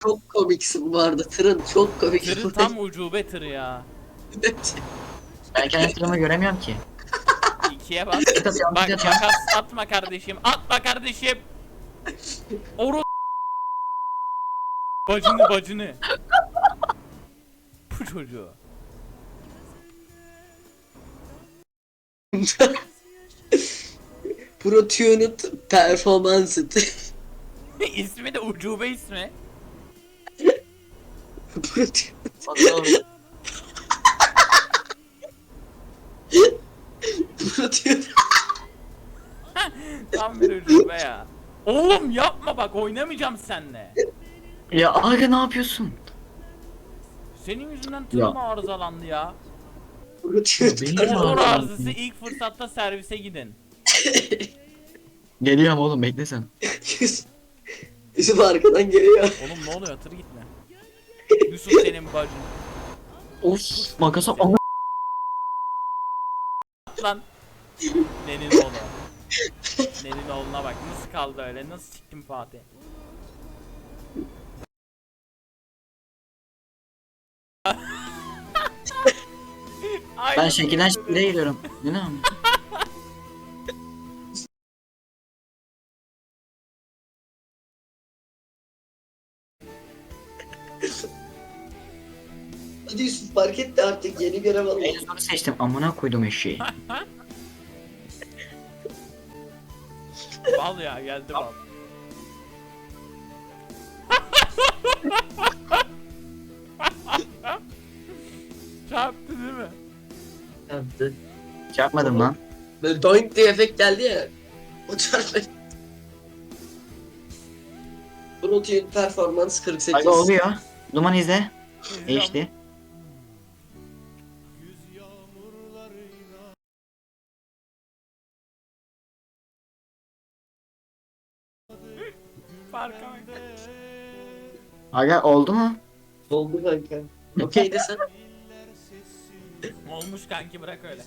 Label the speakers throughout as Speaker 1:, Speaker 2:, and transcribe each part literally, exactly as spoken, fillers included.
Speaker 1: Çok komiksin bu arada. Tırın çok komik.
Speaker 2: Tırın tam ucube tırı ya.
Speaker 1: Evet.
Speaker 3: Ben kendi tırımı göremiyorum ki.
Speaker 2: İkiye bas.
Speaker 3: Tık atıyorum,
Speaker 2: Bak
Speaker 3: tık atıyorum.
Speaker 2: makas atma kardeşim. Atma kardeşim. Oru bacını bacını. Bu çocuğu.
Speaker 1: Pro Tuned Performance.
Speaker 2: İsmi de ucube ismi.
Speaker 1: Pro Tuned.
Speaker 3: Bakalım.
Speaker 1: Pro Tuned.
Speaker 2: Tam bir ucube ya. Oğlum yapma bak, oynamayacağım seninle.
Speaker 3: Ya aga ne yapıyorsun?
Speaker 2: Senin yüzünden
Speaker 3: Ya.
Speaker 2: tırım arızalandı ya.
Speaker 1: Pro Tuned.
Speaker 3: Benim
Speaker 1: Performance.
Speaker 2: Motor
Speaker 3: arızalandı.
Speaker 2: arızası, ilk fırsatta servise gidin.
Speaker 3: Geliyorum oğlum, bekle sen.
Speaker 1: Yusuf- Yusuf arkadan geliyor.
Speaker 2: Oğlum ne oluyor, tır gitme. Yusuf senin bacın.
Speaker 3: Of makasa ama.
Speaker 2: Lan. Nenin oğlu. Nenin oğluna bak nasıl kaldı öyle, nasıl çıktın Fatih.
Speaker 3: Ben şekilden şekile geliyorum. Ne lan?
Speaker 1: Hadi Yusuf fark etti artık yeni görev alalım.
Speaker 3: En zoru seçtim, amına koydum eşeği.
Speaker 2: Bal ya, geldi bal. Çarptı değil mi?
Speaker 1: Yaptı.
Speaker 3: Çarpmadım lan.
Speaker 1: Böyle doink diye efekt geldi ya. O çarpma. Pro Tuned Performance kırk sekiz.
Speaker 3: Aga oluyor. Duman izle. Değişti.
Speaker 2: Farka bak.
Speaker 3: Aga oldu mu?
Speaker 1: Oldu kanka. Okey desen.
Speaker 2: Olmuş kanki, bırak öyle.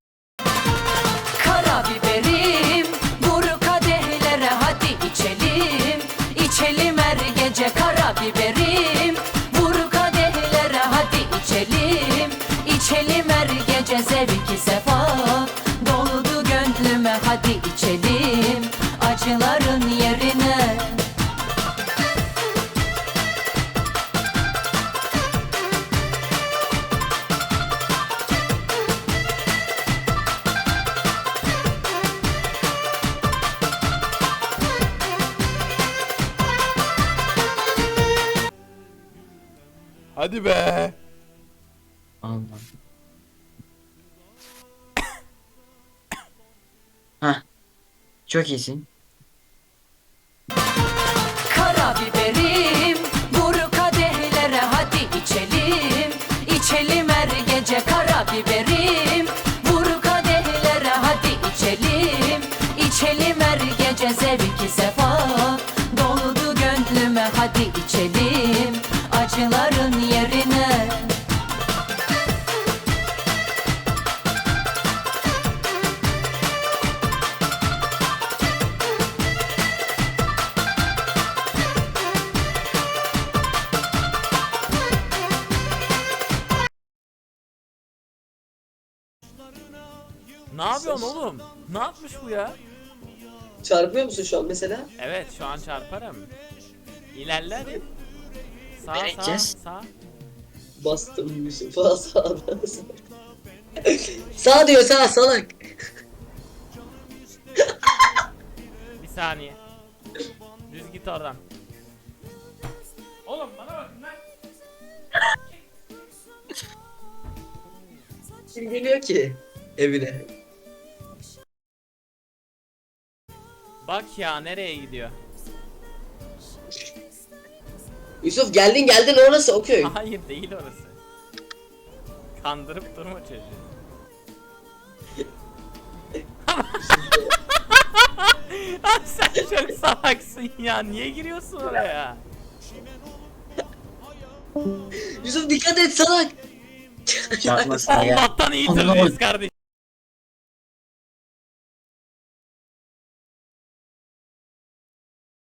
Speaker 4: Karabiberim, vur kadehlere hadi içelim. İçelim her gece karabiberim, vur kadehlere hadi içelim. İçelim her gece zevki sefa, doldu gönlüme hadi içelim. Acıların yerine
Speaker 2: Hadi be.
Speaker 3: Allah. Hah. Çok iyisin.
Speaker 4: karabiberim, vur kadehlere hadi içelim. İçelim her gece karabiberim, vur kadehlere hadi içelim. İçelim her gece zevki sefa, doldu gönlüme hadi içelim. Acıların yerine
Speaker 2: Ne yapıyorsun oğlum? Ne yapmış bu ya?
Speaker 1: Çarpıyor musun şu an mesela?
Speaker 2: Evet, şu an çarparım. İlerle hadi. Sağ
Speaker 3: Nereye
Speaker 2: sağ
Speaker 3: gideceğiz?
Speaker 2: sağ.
Speaker 1: Bastım Yusuf'a sağdan. Sağ diyor sağ salak.
Speaker 2: Bir saniye. Düz git oradan. Oğlum bana bakın lan.
Speaker 1: Kim geliyor ki evine?
Speaker 2: Bak ya, nereye gidiyor?
Speaker 1: Yusuf geldin geldin orası o köy.
Speaker 2: Hayır, değil orası. Kandırıp durma çocuğu. Abi sen çok salaksın ya. Niye giriyorsun oraya?
Speaker 1: Yusuf dikkat et salak.
Speaker 3: Çarpmasın ya.
Speaker 2: Allah'tan iyi
Speaker 3: Anlamadım.
Speaker 2: tırlıyız kardeşim.